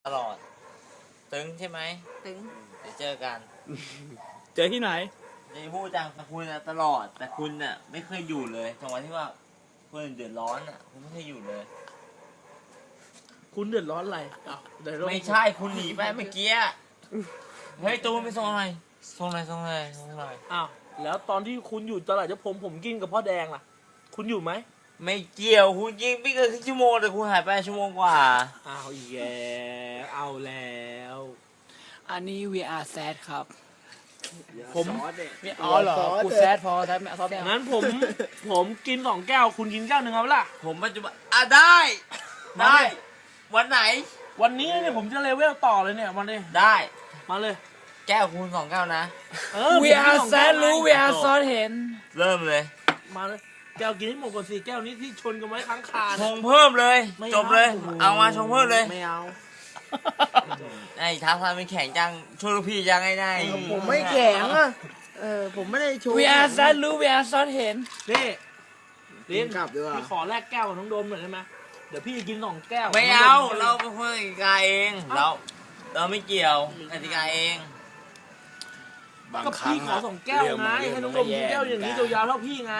ตลอดตึงใช่ไหมตึงเดี๋ยวเจอกันเจอที่ไหนจะพูดจังแต่คุณน่ะตลอด แต่คุณน่ะไม่เคยอยู่เลยจังหวะที่ว่าคนอื่นเดือดร้อนอ่ะคุณไม่เคยอยู่เลยคุณเดือดร้อนอะไรอ้าวเดือดร้อนไม่ใช่คุณหนีไปเมื่อกี้เฮ้ยตูนไปส่งหน่อยส่งหน่อยส่งหน่อยส่งหน่อยอ้าวแล้วตอนที่คุณอยู่ตลาดเจ้าผมกินกับพ่อแดงล่ะ คุณอยู่ไหมไม่เกี่ยวคุณยิงไม่เกินครึ่งชั่วโมงแต่คุณหายไปชั่วโมงกว่าอ้าวอีกแล้วเอาแล้วอันนี้ VR sad ครับผมอ๋อเหรอ กูแซดพอแซดไม่ซอสไม่เอางั้นผมกิน2 แก้ว คุณกินแก้วหนึ่งเอาล่ะผมปัจจุบันได้มาได้ดิวันไหนวันนี้เนี่ยผมจะเลเวลต่อเลยเนี่ยมาเลยได้มาเลยแก้วคูณ2 แก้วนะผมกิน VR 2 แก้ว sad รู้ VR ซอสเห็นเริ่มเลยมาเลยแก้วกินให้หมดก่อน4 แก้วนี้ที่ชนกันไว้ค้างคาชงเพิ่มเลยไม่จบเลย เอามาชงเพิ่มเลยไม่เอาไอ้ท้าทายมันแข็งจังช่วยลูกพี่ยังไงได้ผมไม่แข็งอ่ะ ผมไม่ได้โชว์ VR sad รู้ VR ซอสเห็นนี่ลินกลับดีกว่าพี่ขอแลกแก้วกับน้องโดมหน่อยได้ไหมเดี๋ยวพี่กิน2 แก้วไม่เอาน้องโดมเราเป็นคนกติกาเองเราไม่เกี่ยวกติกาเองก็พี่ขอ2 แก้วไงให้น้องโดมกินแก้วอย่างนี้ยาวๆเท่าพี่ไง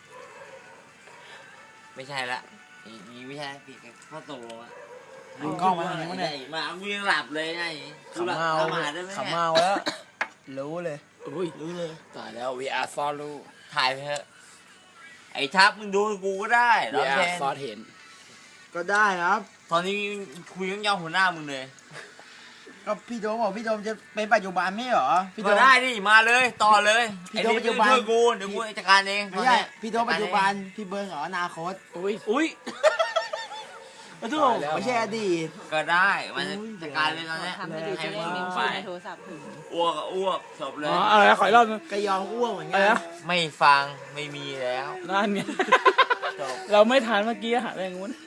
ไม่ใช่ละนี่ไม่ใช่ผิดข้อตกลงอะเอากล้องมาทางนี้มั้งเนี่ยมากูยังหลับเลยไงกูหลับทำอาหารได้ไหมขับเนี่ยมาแล้ว รู้เลยอุ้ยรู้เลยตายแล้ว VR ซอสรู้ถ่ายไปเถอะไอ้ทับมึงดูกูก็ได้ร้อง VR เพลงซอสเห็นก็ได้ครับตอนนี้คุยกับยองหัวหน้ามึงเลยก็พี่โดมบอกพี่โดมจะเป็นปัจจุบันไม่เหรอ พี่โดก็มได้ดิมาเลยต่อเลยพี่ไอ้โดมนี่ปัจจุบันช่วยกูเดี๋ยวกูจัดการเองไม่ใช่ตอนเนี้ยพี่โดมปัจจุบัน พี่เบิร์นเหรออนาคตอุ้ยมาดูตายแล้วไม่ใช่อดีตก็ได้มันจะจัดการเลยตอนเนี้ยทำให้ดูจะได้มึมีงชื่ไปอในโทรศัพท์ถึงอ้วกก็อ้วกจบเลยอ๋ออะไรนะขออีกรอบนึงก็ยอมอ้วกเหมือนอะไรกันนะไม่ฟังไม่มีแล้วนั่นไงจบเราไม่ทานเมื่อกี้หาอะไรงู้น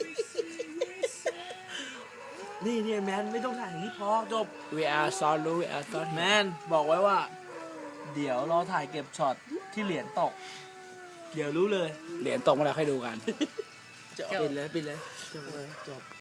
นี่แมนไม่ต้องถ่ายอย่างนี้พอจบ VR ซอสรู้ VR ซอสแมเห็นนบอกไว้ว่า เดี๋ยวรอถ่ายเก็บช็อตที่เหรียญตก เดี๋ยวรู้เลยเหรียญตกมาแล้วให้ดูกันปิดเลยจบ